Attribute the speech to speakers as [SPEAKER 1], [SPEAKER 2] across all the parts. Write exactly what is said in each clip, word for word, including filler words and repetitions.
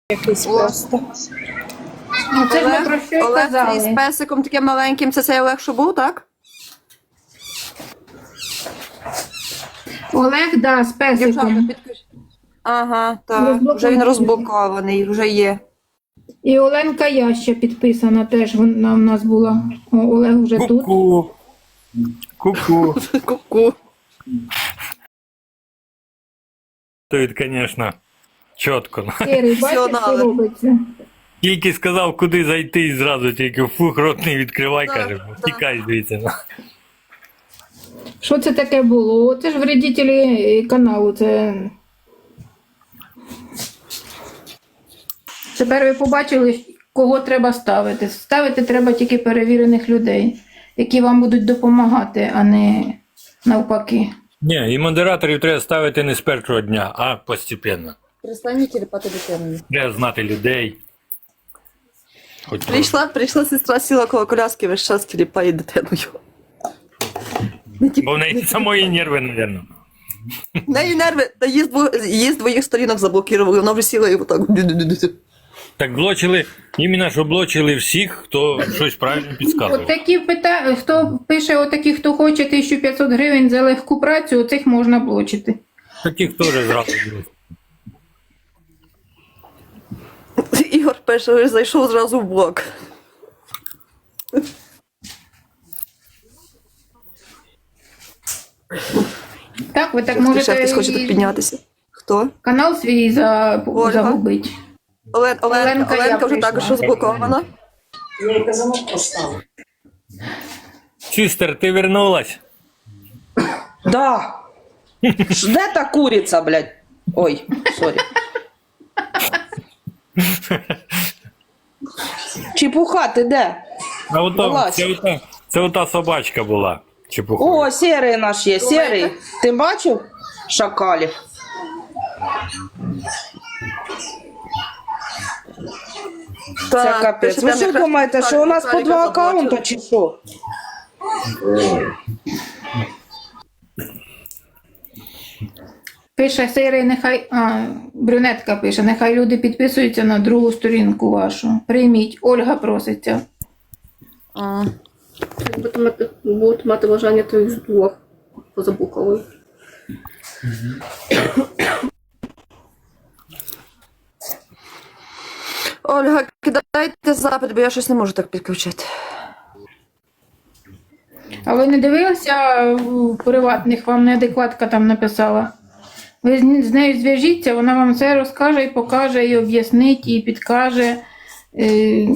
[SPEAKER 1] Якийсь
[SPEAKER 2] О.
[SPEAKER 1] просто.
[SPEAKER 3] Ну, це ж ми
[SPEAKER 2] Олег,
[SPEAKER 3] про що й
[SPEAKER 2] Олег
[SPEAKER 3] казали.
[SPEAKER 2] з песиком таким маленьким, це цей Олег, що був, так?
[SPEAKER 3] Олег, да, з
[SPEAKER 2] Дівчата,
[SPEAKER 3] песиком.
[SPEAKER 2] підкажіть. Ага, так.
[SPEAKER 3] Розблокований.
[SPEAKER 2] Вже він розблокований, вже є.
[SPEAKER 3] І Оленка Яща підписана теж, вона в нас була. О, Олег вже тут.
[SPEAKER 4] Ку-ку. Ку-ку.
[SPEAKER 2] Ку-ку.
[SPEAKER 4] Тут, звісно, чітко.
[SPEAKER 3] Сірий, бачиш, що
[SPEAKER 2] Професіонали.
[SPEAKER 3] робиться?
[SPEAKER 4] Тільки сказав, куди зайти, і зразу тільки фух, рот не відкривай,
[SPEAKER 2] Да,
[SPEAKER 4] каже,
[SPEAKER 2] да.
[SPEAKER 4] тікай звідси. ну.
[SPEAKER 3] Що це таке було? Це ж вредителі каналу. Це... Тепер ви побачили, кого треба ставити. Ставити треба тільки перевірених людей, які вам будуть допомагати, а не навпаки.
[SPEAKER 4] Ні, і модераторів треба ставити не з першого дня, а постепенно.
[SPEAKER 2] Перестань тіліпати дитину.
[SPEAKER 4] Треба знати людей. Хоч трохи.
[SPEAKER 2] Прийшла, прийшла сестра, сіла коло коляски, весь час тіліпає дитиною.
[SPEAKER 4] Бо в неї самої нерви, мабуть.
[SPEAKER 2] В неї нерви, та її з двох, її з двоїх сторінок заблокували, вона вже сіла і отак.
[SPEAKER 4] Так блочили, іменно що блочили всіх, хто щось правильно
[SPEAKER 3] От
[SPEAKER 4] підказував.
[SPEAKER 3] такі пита... хто пише, отакі, хто хоче тисячу п'ятсот гривень за легку працю, оцих можна блочити.
[SPEAKER 4] Таких теж зразу було.
[SPEAKER 2] Ігор пише, зайшов зразу в блок.
[SPEAKER 3] Так, ви так
[SPEAKER 2] Ще
[SPEAKER 3] можете
[SPEAKER 2] хтось хоче тут
[SPEAKER 3] і
[SPEAKER 2] піднятися. Хто?
[SPEAKER 3] канал свій за...
[SPEAKER 2] Ольга.
[SPEAKER 3] загубити.
[SPEAKER 2] Олен, Олен,
[SPEAKER 3] Оленка, я
[SPEAKER 2] Оленка вже
[SPEAKER 3] прийшла.
[SPEAKER 2] також розблокована.
[SPEAKER 1] Я їй казанок поставив.
[SPEAKER 4] Сістер, ти вернулась?
[SPEAKER 1] Да. Ш- Де та куриця, блядь? Ой, сорі. Чепуха, ти де?
[SPEAKER 4] А ото,
[SPEAKER 1] Вилазь.
[SPEAKER 4] це, ота, це ота собачка була. Чепуха.
[SPEAKER 1] О, сірий наш є, сірий. Ти бачив шакалів? Це капець. Ви що думаєте, що у нас по два аккаунта чи що?
[SPEAKER 3] Пише Сирий, нехай. А, брюнетка пише, нехай люди підписуються на другу сторінку вашу. Прийміть, Ольга проситься.
[SPEAKER 2] А.
[SPEAKER 5] Будуть мати, будуть мати бажання, то їх з двох позаблоковую.
[SPEAKER 2] Ольга, кидайте запит, бо я щось не можу так підключити.
[SPEAKER 3] А ви не дивилися в приватних, вам неадекватка там написала? Ви з з нею зв'яжіться, вона вам все розкаже і покаже, і об'яснить, і підкаже. Е,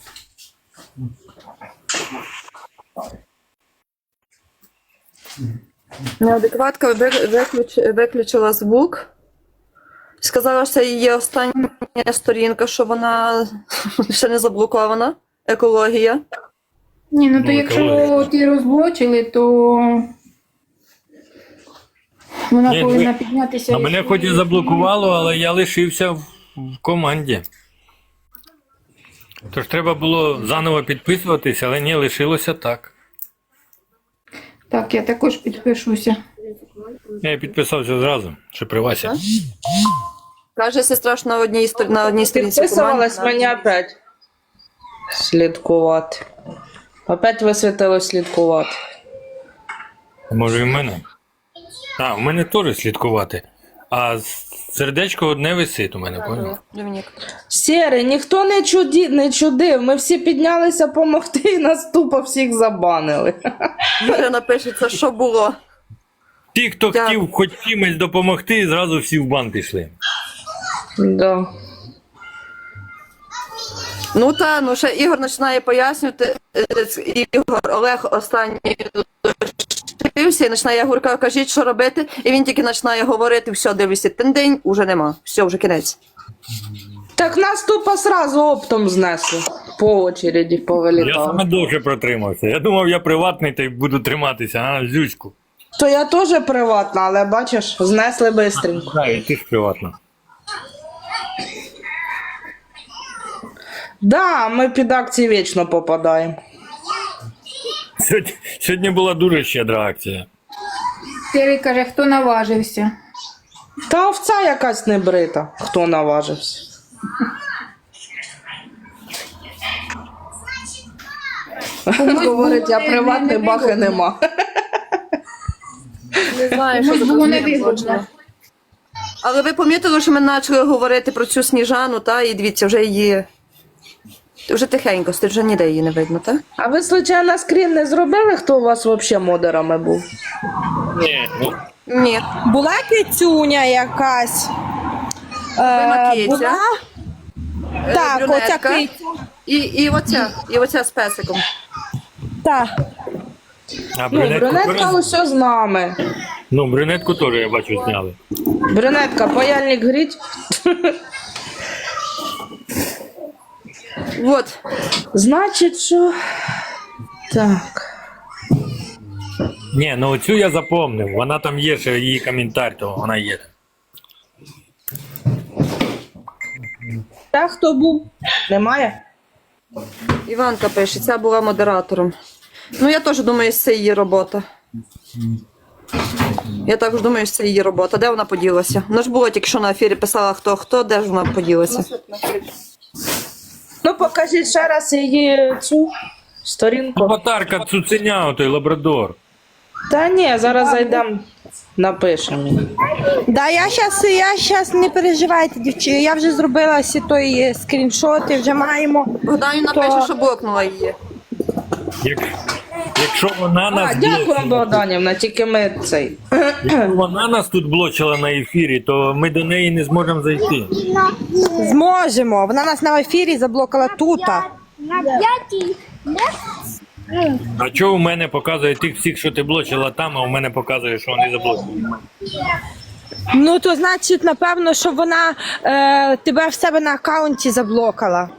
[SPEAKER 2] Неадекватка ви- виключ, виключила звук. Сказала, що це її остання сторінка, що вона ще не заблокована. Екологія.
[SPEAKER 3] Ні, ну то
[SPEAKER 4] Ну,
[SPEAKER 3] якщо
[SPEAKER 4] екологія.
[SPEAKER 3] ті розблочили, то вона
[SPEAKER 4] Ні,
[SPEAKER 3] повинна
[SPEAKER 4] ви-
[SPEAKER 3] піднятися.
[SPEAKER 4] А мене хоч і заблокувало, але я лишився в, в команді. Тож треба було заново підписуватися, але ні, лишилося так.
[SPEAKER 3] Так, я також підпишуся.
[SPEAKER 4] Я підписався зразу, що при Васі.
[SPEAKER 2] Каже сестра, що на одній, сторі- на одній сторінці
[SPEAKER 1] Підписувалась
[SPEAKER 2] команди.
[SPEAKER 1] мені опять. Слідкувати. Опять висвітило слідкувати.
[SPEAKER 4] Може і в мене? А, в мене теж слідкувати. А сердечко одне висить у мене, поняв?
[SPEAKER 2] Домінік.
[SPEAKER 1] Сірий, ніхто не, чуді, не чудив. Ми всі піднялися помогти і нас тупо всіх забанили.
[SPEAKER 2] Марина пише, це що було?
[SPEAKER 4] Ті, хто
[SPEAKER 2] Дякую.
[SPEAKER 4] хотів хоч чимось допомогти, зразу всі в бан пішли.
[SPEAKER 1] Да.
[SPEAKER 2] Ну та, ну ще Ігор починає пояснювати. е, Ігор, Олег останній лишився і починає, я говорю, кажіть, що робити. І він тільки починає говорити, все, дивлюся, тендень, уже нема. Все, вже кінець.
[SPEAKER 1] Так нас тупо сразу оптом знесли. По очереді
[SPEAKER 4] Я
[SPEAKER 1] повилітали.
[SPEAKER 4] саме довше протримався. Я думав, я приватний та й буду триматися, а зюську.
[SPEAKER 1] То я теж приватна, але бачиш, знесли бистренько.
[SPEAKER 4] Так, і ти ж приватна.
[SPEAKER 1] Да, ми під акції вічно попадаємо.
[SPEAKER 4] Сьогодні, сьогодні була дуже щедра акція.
[SPEAKER 3] Сирий каже, хто наважився.
[SPEAKER 1] Та овця якась небрита, хто наважився. Говорить, я
[SPEAKER 3] не-
[SPEAKER 1] приватний
[SPEAKER 3] не
[SPEAKER 1] бах і
[SPEAKER 3] вигодно.
[SPEAKER 1] нема.
[SPEAKER 2] Не знаю, що
[SPEAKER 3] Комусь
[SPEAKER 2] за
[SPEAKER 3] було не
[SPEAKER 2] конфлікт
[SPEAKER 3] вигодно.
[SPEAKER 2] злочину. Але ви помітили, що ми почали говорити про цю Сніжану, та, і дивіться, вже її. Вже тихенько, стоїть, вже ніде її не видно, так?
[SPEAKER 1] А ви, случайно, скрін не зробили, хто у вас взагалі модерами був?
[SPEAKER 4] Ні, ну,
[SPEAKER 2] Ні.
[SPEAKER 6] Була кицюня якась.
[SPEAKER 2] Вона
[SPEAKER 6] Е,
[SPEAKER 2] киця.
[SPEAKER 6] була...
[SPEAKER 2] Е,
[SPEAKER 6] Так,
[SPEAKER 2] брюнетка.
[SPEAKER 6] оця киця.
[SPEAKER 2] І, і оця, і оця з песиком.
[SPEAKER 6] Так.
[SPEAKER 4] а
[SPEAKER 1] Ну,
[SPEAKER 4] брюнетку,
[SPEAKER 1] брюнетка
[SPEAKER 4] теж-
[SPEAKER 1] усе з нами.
[SPEAKER 4] ну, брюнетку теж, я бачу, зняли.
[SPEAKER 1] Брюнетка, паяльник гріть.
[SPEAKER 2] От.
[SPEAKER 1] Значить, що... Так.
[SPEAKER 4] Ні, ну оцю я запомнив. Вона там є, ще її коментар, то вона є.
[SPEAKER 1] Та хто був? Немає?
[SPEAKER 2] Іванка пише, ця була модератором. Ну, я теж думаю, що це її робота. Я також думаю, що це її робота. Де вона поділася? Вона ж було тільки що на ефірі писала хто хто, де ж вона поділася?
[SPEAKER 1] Ну, покажіть ще раз її цю сторінку.
[SPEAKER 4] Аватарка цуценя, той лабрадор.
[SPEAKER 1] Та ні, зараз зайдемо, напишемо. їй.
[SPEAKER 6] Да, я щас, я щас не переживайте, дівчата. Я вже зробила всі той е, скріншоти, вже маємо.
[SPEAKER 2] Богданівна
[SPEAKER 6] То-
[SPEAKER 2] пише, що блокнула її.
[SPEAKER 4] Як, якщо вона
[SPEAKER 1] А,
[SPEAKER 4] нас
[SPEAKER 1] дякую,
[SPEAKER 4] блочила,
[SPEAKER 1] Богданівна, тільки ми цей.
[SPEAKER 4] якщо вона нас тут блочила на ефірі, то ми до неї не зможемо зайти.
[SPEAKER 6] Зможемо. Вона нас на ефірі заблокала тут.
[SPEAKER 7] На п'ятій.
[SPEAKER 4] А чого у мене показує тих всіх, що ти блочила там, а у мене показує, що вони заблочені?
[SPEAKER 6] Ну, то значить, напевно, що вона е, тебе в себе на аккаунті заблокала.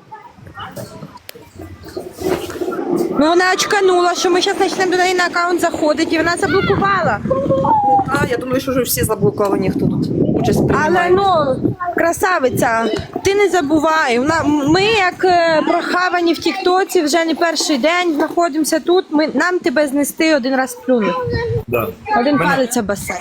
[SPEAKER 6] Ну, вона очканула, що ми зараз почнемо до неї на аккаунт заходити, і вона заблокувала.
[SPEAKER 2] А, я думаю, що вже всі заблоковані, хто тут участь
[SPEAKER 6] Але
[SPEAKER 2] приймає.
[SPEAKER 6] ну, красавиця, ти не забувай. Вона- Ми, як е, прохавані в Тіктоці, вже не перший день знаходимося тут. Ми, нам тебе знести один раз плюнуть.
[SPEAKER 4] Да.
[SPEAKER 6] Один
[SPEAKER 4] Мене-
[SPEAKER 6] палець басейн.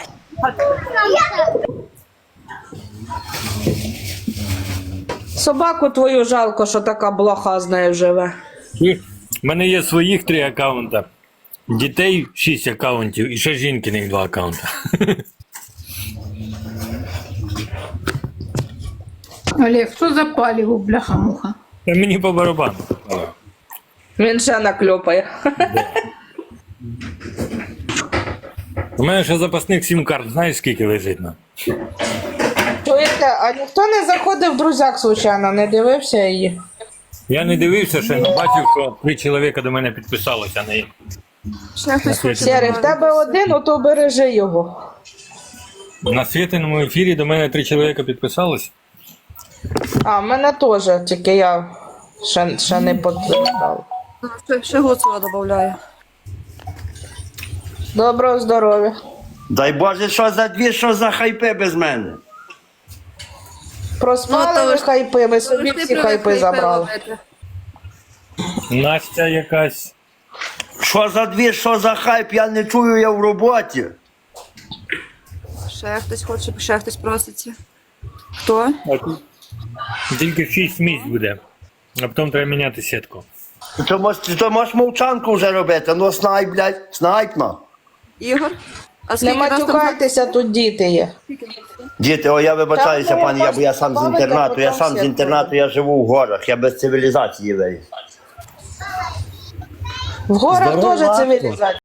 [SPEAKER 1] Собаку твою жалко, що така блоха з нею живе.
[SPEAKER 4] І в мене є своїх три аккаунта, дітей шість аккаунтів і ще жінкиних два аккаунта.
[SPEAKER 3] Олег, що за паліво, бляха-муха?
[SPEAKER 4] Та мені по барабану.
[SPEAKER 1] Він ще накльопає.
[SPEAKER 4] У мене ще запасних сім карт, знаєш скільки лежить на?
[SPEAKER 1] Чуєте, а ніхто не заходив в друзяк, случайно, не дивився її?
[SPEAKER 4] Я не дивився, ще але бачив, що три чоловіка до мене підписалося на її.
[SPEAKER 2] Ще хтось хоче
[SPEAKER 1] Сірий, в
[SPEAKER 2] добавити.
[SPEAKER 1] тебе один, ото бережи його.
[SPEAKER 4] На світиному ефірі до мене три чоловіка підписалось.
[SPEAKER 1] А, в мене теж, тільки я ще, ще не підтримав.
[SPEAKER 2] Ще, ще Гуцула додаю.
[SPEAKER 1] Доброго здоров'я.
[SPEAKER 8] Дай Боже, що за дві, що за хайпи без мене.
[SPEAKER 1] Проспали
[SPEAKER 2] Ну, то
[SPEAKER 1] ви
[SPEAKER 2] ви ж-
[SPEAKER 1] хайпи, ви
[SPEAKER 2] Ви
[SPEAKER 1] собі
[SPEAKER 2] ж не
[SPEAKER 1] всі хайпи
[SPEAKER 2] привикли
[SPEAKER 1] забрали.
[SPEAKER 2] ловити.
[SPEAKER 4] Настя якась.
[SPEAKER 8] Що за дві, що за хайп, я не чую, я в роботі.
[SPEAKER 2] Ще хтось хоче, ще хтось проситься. Хто?
[SPEAKER 4] А тут тільки шість місць буде. А потім треба міняти сітку.
[SPEAKER 8] То можеш, то можеш мовчанку вже робити, ну снайп, блядь, снайпна.
[SPEAKER 2] Ігор? А
[SPEAKER 1] Не
[SPEAKER 2] скільки нас там?
[SPEAKER 1] матюкайтеся, тут діти є.
[SPEAKER 8] Діти, о, я вибачаюся,
[SPEAKER 1] Та, ну,
[SPEAKER 8] пані, я, бо я сам з
[SPEAKER 1] бачите,
[SPEAKER 8] інтернату, я
[SPEAKER 1] там
[SPEAKER 8] сам з
[SPEAKER 1] всі
[SPEAKER 8] інтернату, я живу в горах, я без цивілізації виріс.
[SPEAKER 1] В горах
[SPEAKER 8] Здорово,
[SPEAKER 1] теж
[SPEAKER 8] Васько.
[SPEAKER 1] цивілізація.